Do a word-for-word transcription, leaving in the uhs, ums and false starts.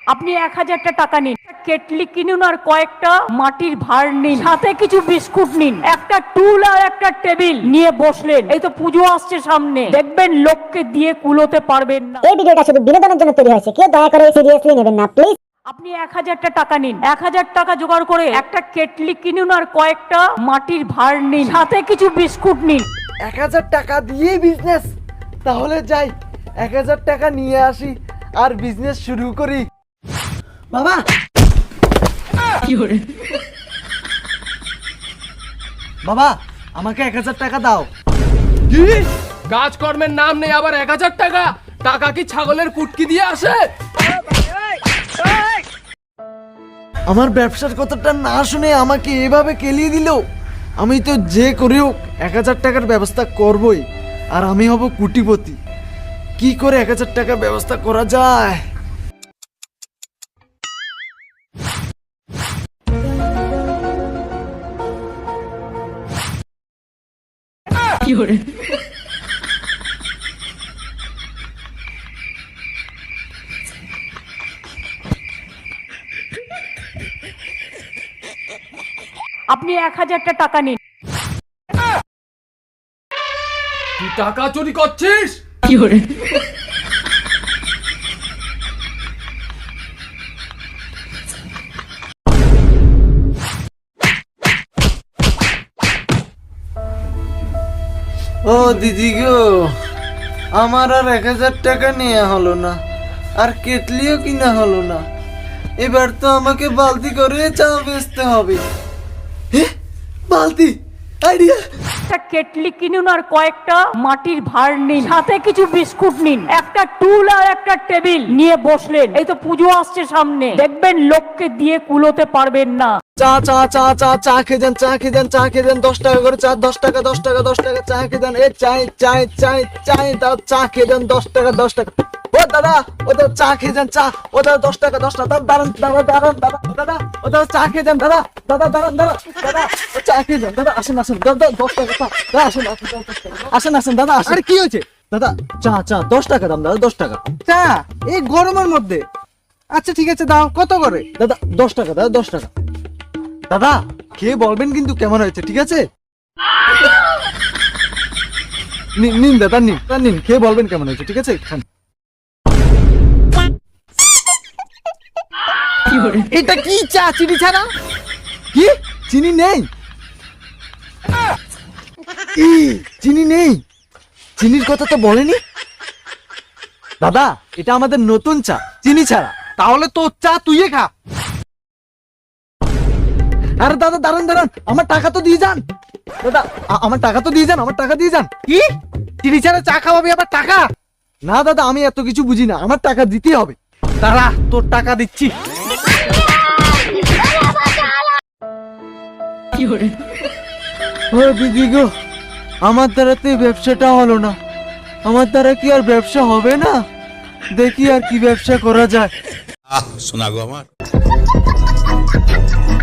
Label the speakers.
Speaker 1: আপনি এক হাজারটা টাকা নিন, কেটলি কিনুন আর কয়েকটা মাটির ভাঁড় নিন, সাথে কিছু বিস্কুট নিন, একটা টুল আর একটা টেবিল নিয়ে বসলেন। এই তো পুজো আসছে সামনে, দেখবেন লোককে দিয়ে কুলোতে পারবেন না।
Speaker 2: এই ভিডিওটা শুধু বিনোদনের জন্য তৈরি হয়েছে, কেউ দয়া করে সিরিয়াসলি নেবেন না প্লিজ।
Speaker 1: আপনি এক হাজারটা টাকা নিন, এক হাজার টাকা জোগাড় করে একটা কেটলি কিনুন আর কয়েকটা মাটির ভাঁড় নিন, সাথে কিছু বিস্কুট নিন।
Speaker 3: এক হাজার টাকা দিয়ে বিজনেস, তাহলে যাই এক হাজার টাকা নিয়ে আসি আর বিজনেস শুরু করি। বাবা বাবা আমাকে এক হাজার টাকা দাও।
Speaker 4: কি কাজকর্মের নাম নেই আবার এক হাজার টাকা? টাকা কি ছাগলের কুটকি দিয়ে আসে?
Speaker 3: আমার ব্যবসার কথাটা না শুনে আমাকে এভাবে কেলিয়ে দিল। আমি তো যে করি হোক এক হাজার টাকার ব্যবস্থা করবই, আর আমি হব কোটিপতি। কি করে এক হাজার টাকার ব্যবস্থা করা যায়?
Speaker 1: আপনি এক হাজারটা টাকা নিন।
Speaker 4: তুই টাকা চুরি করছিস?
Speaker 3: ও দিদি গো, আমার আর এক হাজার টাকা নেওয়া হলো না, আর কেটলিও কিনা হলো না। এবার তো আমাকে বালতি করে চা বেচতে হবে। হে, বালতি আইডিয়া।
Speaker 1: একটা কেটলি কিনুন আর কয়েকটা মাটির ভাঁড় নিন, সাথে কিছু বিস্কুট নিন, একটা টুল আর একটা টেবিল নিয়ে বসলেন। এই তো পুজো আসছে সামনে, দেখবেন লোককে দিয়ে কুলোতে পারবেন না।
Speaker 3: চা চা চা চা চা খেয়ে যান, চা খেয়ে যান, চা খেয়ে যান। দশ টাকা করে চা, দশ টাকা দশ টাকা দশ টাকা চা খেয়ে যান। এ চাই চাই চাই চাই দাও, চা খেয়ে যান, দশ টাকা দশ টাকা। ও দাদা, ও দাদা চা খেয়ে যান, চা। ও দাদা দশ টাকা দশ টাকা। দাঁড়ান দাদা দাঁড়ান দাদা দাদা, ও দাদা চা খেয়ে যান দাদা দাদা দাঁড়ান দাদা দাদা, ও চা খেয়ে যান দাদা। আসেন আসেন দাদা, দশ টাকা চা দাদা। আসেন আসেন আসেন আসেন দাদা আসেন।
Speaker 5: আরে কি হয়েছে
Speaker 3: দাদা চা চা দশ টাকা দাম দাদা, দশ টাকা।
Speaker 5: চা এই গরমের মধ্যে? আচ্ছা ঠিক আছে দাও, কত করে?
Speaker 3: দাদা দশ টাকা দাদা, দশ টাকা। দাদা খেয়ে বলবেন কিন্তু কেমন হয়েছে, ঠিক আছে? নিন নিন দাদা, নিন দাদা, নিন খেয়ে বলবেন কেমন হয়েছে, ঠিক আছে? খান।
Speaker 5: এটা কি চা চিনি ছাড়া?
Speaker 3: কি চিনি নেই? ই, চিনি নেই? চিনির কথা তো বলেনি দাদা। এটা আমাদের নতুন চা, চিনি ছাড়া।
Speaker 5: তাহলে তোর চা তুই খা।
Speaker 3: আরে দাদা দাঁড়ান দাঁড়ান, আমার টাকা তো দিয়ে যান দাদা। আ- আমার টাকা তো দিয়ে যান, আমার টাকা দিয়ে যান।
Speaker 5: কি চিনি ছাড়া চা খাওয়াবি আবার টাকা?
Speaker 3: না দাদা, আমি এত কিছু বুঝি না, আমার টাকা দিতে হবে।
Speaker 5: দাঁড়া তোর টাকা দিচ্ছি।
Speaker 3: ও দিদি গো, আমার দ্বারা তো এই ব্যবসাটা হলো না। আমার দ্বারা কি আর ব্যবসা হবে না? দেখি আর কি ব্যবসা করা যায়।
Speaker 6: আহ শোনা গো আমার।